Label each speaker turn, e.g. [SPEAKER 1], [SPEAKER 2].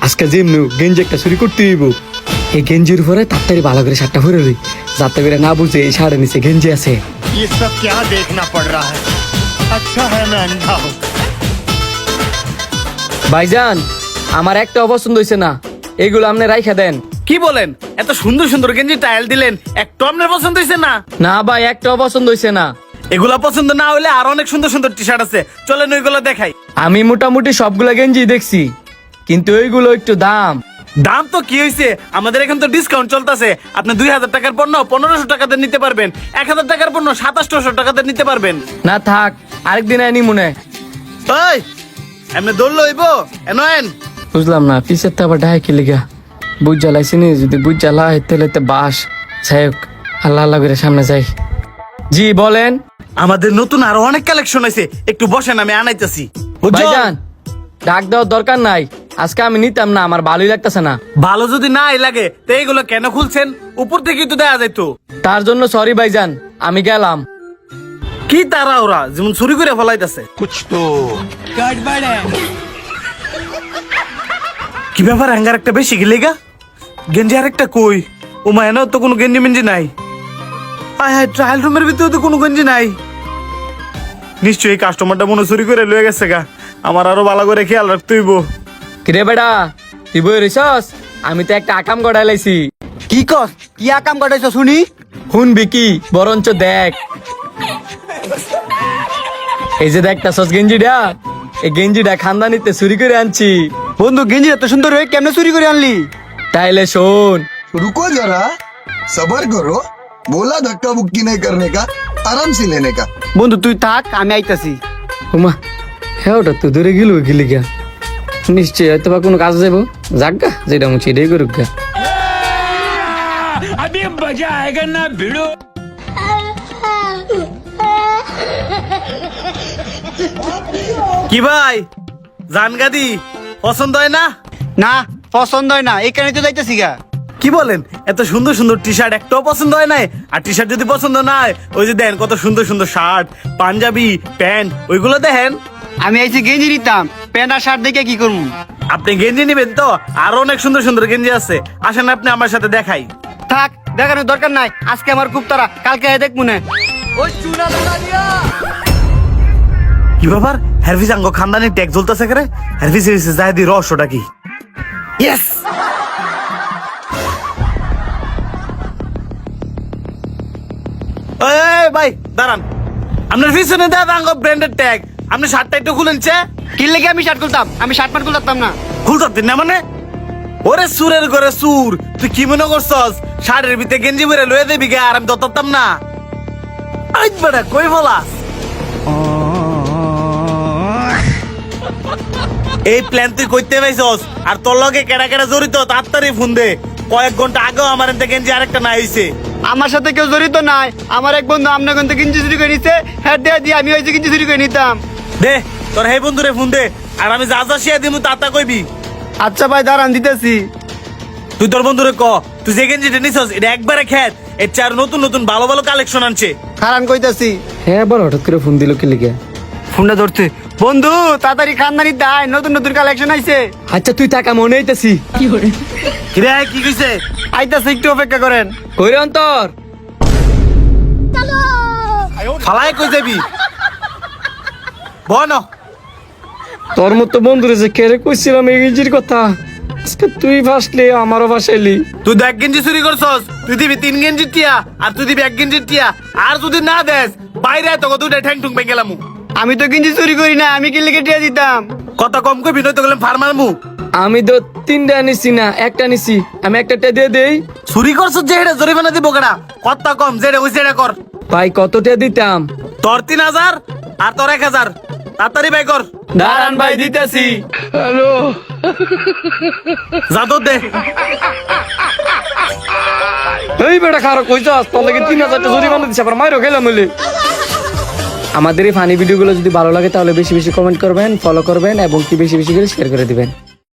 [SPEAKER 1] আজকে যেমনি গেঞ্জি একটা চুরি করতে হইব। এই গেঞ্জির উপরে তাড়াতাড়ি ভালো করে শার্টটা পরে লই, যাতে করে না বুঝে এই শার্টের নিচে গেঞ্জি আছে।
[SPEAKER 2] ये सब क्या देखना पड़ रहा है? अच्छा है मैं अंधा हूँ।
[SPEAKER 1] ভাইজান, আমার একটা অপছন্দ হইছে না, এইগুলো আপনি রাইখা দেন।
[SPEAKER 3] কি বলেন? এত সুন্দর সুন্দর গেঞ্জি টাইল দিলেন, একটু আপনার পছন্দ হয়েছে না?
[SPEAKER 1] না ভাই, একটা অপছন্দ হইছে না।
[SPEAKER 3] এগুলা পছন্দ না হলে আর অনেক সুন্দর সুন্দর টি শার্ট আছে, চলেন ওইগুলো দেখাই।
[SPEAKER 1] আমি মোটামুটি সবগুলা গেঞ্জি দেখছি, কিন্তু ওইগুলো একটু দাম।
[SPEAKER 3] দাম তো কি হয়েছে, আমাদের এখন তো ডিসকাউন্ট চলতেছে। আপনি 2000 টাকার পণ্য 1500 টাকাতে নিতে পারবেন, 1000 টাকার পণ্য 2700 টাকাতে নিতে পারবেন।
[SPEAKER 1] না থাক, আরেকদিন আনি মনে।
[SPEAKER 3] ওই এমনি দৌড়লো হইব এনয়েন।
[SPEAKER 1] বুঝলাম না, পিছের তো আবার ডাহে কি লিগা বুঝ জ্বালাইছি নি, যদি বুঝ জ্বালাই তাহলে তো বাস। যাই হোক, আল্লাহ আল্লাহ করে সামনে যাই। জি বলেন।
[SPEAKER 3] আমাদের নতুন আরো অনেক কালেকশন আছে, একটু বসেন আমি আনাইতেছি।
[SPEAKER 1] ভাইজান, ডাক দেওয়ার দরকার নাই, আজকে আমি নিতাম না, আমার ভালোই লাগতেছে না।
[SPEAKER 3] ভালো যদি নাই লাগে তো এইগুলো কেন খুলছেন? উপর থেকে তো দেয়া যাইতো।
[SPEAKER 1] তার জন্য সরি ভাইজান, আমি গেলাম।
[SPEAKER 3] কি তারা ওরা যেমন চুরি করে ফলাইতেছে। কি ব্যাপার, হ্যাঙ্গার একটা বেশি গেলে গা? গেঞ্জি আরেকটা কই? ও মা, এনে তো কোনো গেঞ্জি মেঞ্জি নাই। আয় হায়, ট্রায়াল রুমের ভিতরে তো কোনো গেঞ্জি নাই। নিশ্চয়ই কাস্টমারটা মনে চুরি করে লয়ে গেছে গা, আমার আরো ভালো করে খেয়াল রাখতে হইব।
[SPEAKER 1] কিরে বেটা, তুই বই রইছস? আমি তো একটা আকাম গড়াই লাইছি।
[SPEAKER 4] কি কস? কি আকাম কটাইছ শুনি?
[SPEAKER 1] শুনবি কি, বরঞ্চ দেখ। এই যে দেখতাছস গেঞ্জিটা, এই গেঞ্জিটা খানদানিতে চুরি করে আনছি।
[SPEAKER 4] বন্ধু, গেঞ্জি এত সুন্দর হয়ে কেমনে চুরি করে আনলি?
[SPEAKER 1] তাইলে শোন।
[SPEAKER 5] रुको जरा, सबर करो। बोला धक्का मुक्की नहीं करने का, आराम से लेने का।
[SPEAKER 4] বন্ধু তুই থাক, আমি আইতাছি।
[SPEAKER 1] উমা, হ্যাঁ ওটা তো দূরে গেল গেলি গা, নিশ্চয়ই হয়তো বা কোনো কাজ যাবো। যাক গা, যেটা মুছি এটাই করুক গা।
[SPEAKER 3] কি ভাই, জানগাদি পছন্দ হয় না?
[SPEAKER 4] না, পছন্দ হয় না, এখানে তো যাইতাছি গা।
[SPEAKER 3] কি বলেন, এত সুন্দর সুন্দর টি শার্ট একটাও পছন্দ হয় নাই? আর টি শার্ট যদি পছন্দ না হয়, ওই যে দেন কত সুন্দর সুন্দর শার্ট, পাঞ্জাবি, প্যান্ট, ওইগুলো দেখেন।
[SPEAKER 4] আমি আইছি গেঞ্জি নিতাম, প্যান্ট আর শার্ট দেখে কি করবো?
[SPEAKER 3] আপনি গেঞ্জি নিবেন তো? আরো অনেক সুন্দর সুন্দর গেঞ্জি আছে, আসেন আপনি আমার সাথে দেখাই।
[SPEAKER 4] থাক, দেখানোর দরকার নাই, আজকে আমার খুব তারা, কালকে দেখ মনে।
[SPEAKER 3] কি ব্যাপার, হারফিস আঙ্গ খানদানি ট্যাগ জ্বলতেছে করে? হারফিস যাই দি রহস্যটা কি? ইয়েস, এই ভাই দাঁড়ান, আপনার পিছনে দেখ আঙ্গ ব্র্যান্ডেড ট্যাগ, আপনি শার্টটা একটু খুলেন।
[SPEAKER 4] কি লেগে আমি শার্ট খুলতাম? আমি শার্ট প্যান্ট খুলতাম না।
[SPEAKER 3] খুলতে না মানে? ওরে সুরের ঘরে সুর, তুই কি মনে করছস শাড়ির ভিতরে গেঞ্জি পরে লয়ে দেবি গে আর আমি দতাম না? আইজ বেটা কই বলাস? এই প্ল্যান তুই কইতে পাইছস? আর তোর লগে কেডা কেডা জড়িত তাড়াতাড়ি ফোন দে। কয়েক ঘন্টা আগেও আমার এতে গেঞ্জি আরেকটা না হইছে।
[SPEAKER 4] আমার সাথে কেউ জড়িত নাই, আমার এক বন্ধু আপনার কিন্তু গেঞ্জি চুরি করে নিছে, হ্যাঁ দিয়ে আমি হয়েছে গেঞ্জি চুরি করে নিতাম।
[SPEAKER 3] দে তোর হে বন্ধুরে ফোন দে, আর আমি যা যা শিয়া দিমু তা কইবি।
[SPEAKER 4] আচ্ছা ভাই দাঁড়ান, দিতেছি।
[SPEAKER 3] তুই তোর বন্ধুরে ক, তুই যে গেঞ্জিটা নিছস এটা একবারে খেত, এর চার নতুন নতুন ভালো ভালো কালেকশন আনছে।
[SPEAKER 4] খারান কইতাছি।
[SPEAKER 1] হ্যাঁ বল, হঠাৎ করে ফোন দিল কি লিগে?
[SPEAKER 4] ফোনটা ধরতে। বন্ধু তাড়াতাড়ি খানদানি দায়, নতুন নতুন কালেকশন আইছে।
[SPEAKER 1] আচ্ছা তুই থাকা, মনে হইতাছি।
[SPEAKER 3] কিরে কি কইছে?
[SPEAKER 4] আইতাছে, একটু অপেক্ষা করেন।
[SPEAKER 1] কইরে অন্তর
[SPEAKER 3] ফালাই কই যাবি? বন
[SPEAKER 1] তোর মতো বন্ধুরে যে কেড়ে কইছিলাম এই গেঞ্জির কথা, আজকে তুই ফাঁসলি, আমারও ফাঁসাইলি।
[SPEAKER 3] তুই 1 গেঞ্জি চুরি করছস, তুই দিবি 3 গেঞ্জির টিয়া, আর তুই দিবি 1 গেঞ্জির টিয়া। আর যদি না দেস বাইরে তোকে দুইটা ঠ্যাং ঠুং ভেঙে গেলাম।
[SPEAKER 4] আমি তো গেঞ্জি চুরি করি না, আমি কি লিখে টিয়া দিতাম?
[SPEAKER 3] কথা কম কইবি নয়তো গেলাম ফার্মার মু।
[SPEAKER 1] আমি তো 3টা নিছি না, একটা নিছি, আমি একটা দিয়ে দেই।
[SPEAKER 3] চুরি করছস যে এটা জরিমানা দিব কেডা? কথা কম, যেটা হইছে এটা কর।
[SPEAKER 1] ভাই কতটা দিতাম?
[SPEAKER 3] তোর 3000 আর তোর 1000, তাড়াতাড়ি বাই কর।
[SPEAKER 1] দাঁড়ান ভাই, দিতেছি।
[SPEAKER 3] যা তো দে।
[SPEAKER 1] এই বেটা খারাপ কইছস, তোর লাগে 3000 টাকা জরিমানা দিছে, আবার মাইরও খেলাম হইলে। আমাদের এই ফানি ভিডিওগুলো যদি ভালো লাগে তাহলে বেশি বেশি কমেন্ট করবেন, ফলো করবেন এবং কি বেশি বেশি করে শেয়ার করে দিবেন।